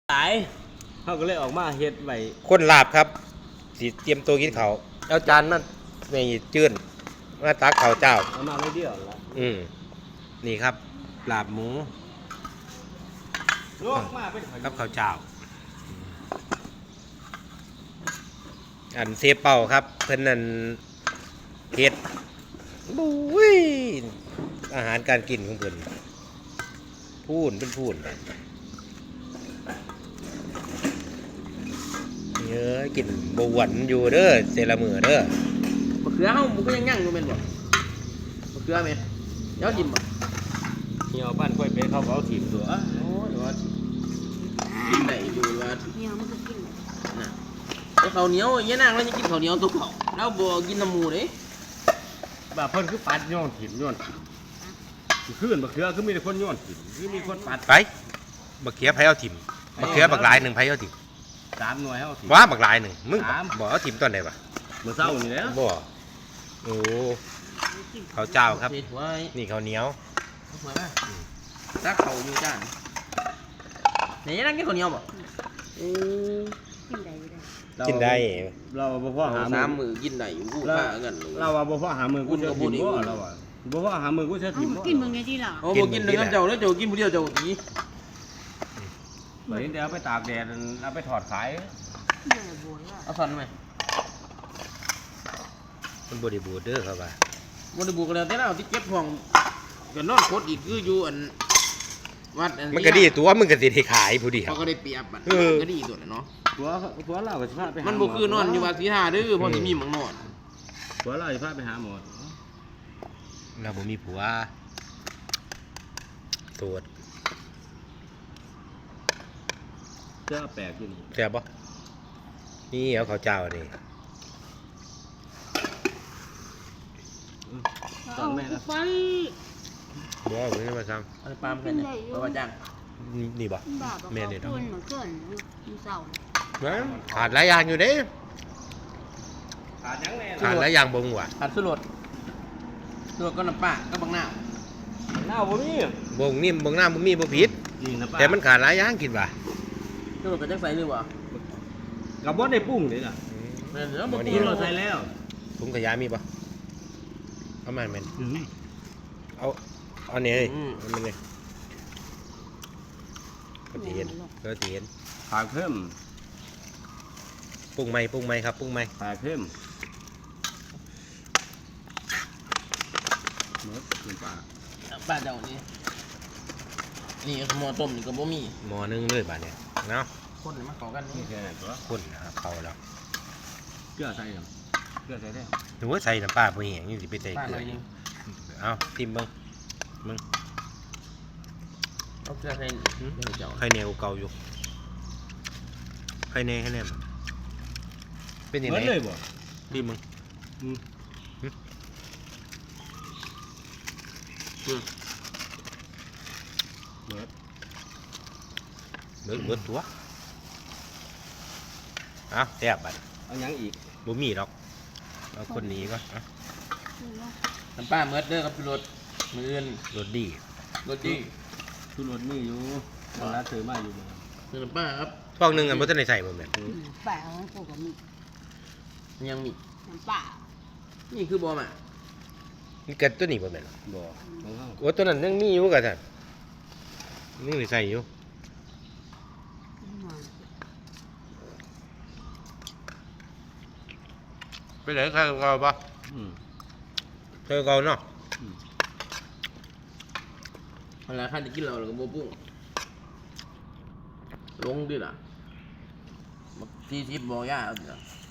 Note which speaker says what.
Speaker 1: หลายเขาก็เลยออกมาเฮ็ดไว้
Speaker 2: คนลาบครับสิเตรียมตัวกินเขาวเอาจานมาในจื้นมาตักข้าวเจ้า
Speaker 1: เอามาไม่เดียวละ
Speaker 2: นี่ครับลาบหมู
Speaker 1: ลวกมาเป็น
Speaker 2: กับข้าวเจ้าอันเซเป่าครับเพิ่นนั่นเฮ็ดบุ้ยอาหารการกินของเพิ่นพูนเป็นพูนเยอะกินบหวนอยู่เด้อเซละมือเด้อ
Speaker 3: มะเขือเฮามันก็ยังยั่งอยู่แม่นบ่มะเขือแม่นเดี๋ยวจิ้มบ่
Speaker 1: เหี่ยวบ้านค่อยไปเขาเอาถิ่มตัว
Speaker 3: โอ้เดี๋ยวว่ากินได้อยู่ว่า
Speaker 4: เหี่ยวมันก็กิน
Speaker 3: น่ะแต่ข้าวเหนียวเยอะนางแล้วยังกินข้าวเหนียวตัวเก่าแล้วบ่กินน้ำหมูเด้
Speaker 1: แบบเพิ่นคือปัดย้อนถิ่มย้อนขึ้นบักเขือคือมีแต่คนย้อนถิ่มคือมีคนปัด
Speaker 2: ไปบักเขือไผเอาถิ่มบักเขือบักหลายหนึ่งไผเอาถิ่ม
Speaker 1: 3 หน่วยเอาถิ่ม
Speaker 2: ว่าบักหลายหนึ่งมึงบอกเอาถิ่มตอนไหนวะ
Speaker 1: มื้อเช้านี่แหละ
Speaker 2: บ่โอ้ข้าวเจ้าครับ
Speaker 3: ไว้
Speaker 2: นี่ข้าวเหนียว
Speaker 3: มาตักข้าวอยู่จานไหนยังนั่งกินข้าวเหนียวบ่
Speaker 4: กินได้
Speaker 2: กินได้
Speaker 1: เราบ่พอหา
Speaker 3: มื้อกินได้อยู่กูพากัน
Speaker 1: เราว่าบ่พอหามื้อกูจะถิ่มบ่เราว่าบ่พอหามื้อกูจะถิ่มบ่
Speaker 4: กินมึงไงที่ล่ะ
Speaker 3: โอ้บ่กินเลยกันเจ้าแล้วเจ้ากินผู้เดียวเจ้าตี
Speaker 1: เดี๋ยวเดี๋ยวไปตากแดดเอาไปถอดขาย
Speaker 3: เอาสั่นไหม
Speaker 2: มันบริบูรณ์เด้อครับว่า
Speaker 3: บริบูรณ์กันแล้วแต่เราที่เก็บห้องก็นอนโคตรอีกคืออยู่อันวัดอัน
Speaker 2: มันก็ดีตัวมึงก็สิได้ขายผู้เดียว
Speaker 3: เขาก็ได้เปรียบมันก็ดีตัวเนาะ
Speaker 1: ตัวเราก็สิพาไป
Speaker 3: มันบ่คือนอนอยู่วัดศรีหาเด้อเพราะสิมีหม่องนอน
Speaker 1: ตัวเราสิพาไปหาหมอ
Speaker 2: เราบ่มีผัวโสด
Speaker 1: เจ้าแปลกอยู่นี่
Speaker 2: แซ่บบ่นี่เอาข้าวเจ้านี่
Speaker 4: ตอนแม่ละไป
Speaker 2: บ่เอาไปมาซ้ํ
Speaker 3: อันปามกันเนี่ยบ่ว่าจ้าง
Speaker 2: นี่บ่
Speaker 4: แม่นี่ดอกมันเกินมันเศร้า
Speaker 2: ขาดหลายอย่างอยู่เด้
Speaker 1: ขาดหยังแน่
Speaker 2: ขาดหลายอย่างบ่งว่ะ
Speaker 3: ขาดสุรสก็น้ำปลาก็บักน้าว
Speaker 1: บ่มี
Speaker 2: บ่งนิ่มบ่งน้ำบ่มีบ่ผิดแต่มันขาดหลายอย่างกินว่ะ
Speaker 3: สุรสก็จักใส่หรือบ่
Speaker 1: ก็บ่ได้ปรุงนี่ล่ะ
Speaker 3: แม่นแล้วบ่ปรุง
Speaker 1: เราใส่แล้ว
Speaker 2: ถุงขยะมีบ่ประมาณแม่นเอาเนี่ยมันเลยก็จะเห็น
Speaker 1: ขาเพิ่ม
Speaker 2: ปรุงใหม่ครับปรุงใหม่
Speaker 1: ขาเพิ่มหมดเป็นปลา
Speaker 3: เจ้านี่หม้อต้มนี่ก็บ่มี
Speaker 2: หม้อนึงเลยบาดเนี่ยเนาะ
Speaker 3: คนมาเข้ากัน
Speaker 1: นี่แค่นั้นตัว
Speaker 2: คนนะครับเข้าแล้ว
Speaker 1: เกลือใส่ยังเกลือใส่ได้
Speaker 2: หรือว่าใส่น้ำปลาพวกนี้อย่างนี้สิไปใส่เกลือเอาทิมเบิ่ง
Speaker 3: เอาเกลือใส่
Speaker 2: ไข่เหนียวเก่าอยู่ไข่เหนียวเป็นยังไง
Speaker 1: เลยบ่
Speaker 2: ทิมมึงเบิดตัวเอาแซ่บบัด
Speaker 1: เอาหยังอีก
Speaker 2: บ่มีดอกเอาคนนี้ก็
Speaker 3: น้ำปลาเมิดเด้อครับรสมืออื่น
Speaker 2: รสดี
Speaker 1: ทุรสมีอยู่มันน่าซื้อมาอยู่บ่
Speaker 3: น้ำปลาครับ
Speaker 2: ฟองนึงอันบ่ทันได้ใส่บ่แม่น
Speaker 4: ปลาของกูก็มี
Speaker 3: ยังมี
Speaker 4: น้ำปลา
Speaker 3: นี่คือบ่มา
Speaker 2: นี่เกิดตัวนี้บ่แม่น
Speaker 1: บ่
Speaker 2: โอ้ตัวนั้นยังมีอยู่ก็ท่านยังได้ใส่อยู่ไปไหนใครเก่าปะใครเก่าเนาะ
Speaker 3: เวลาข้าจะกินเราก็บ่ปรุงลงดิล่ะ40บ่ยาเอาดิล่ะ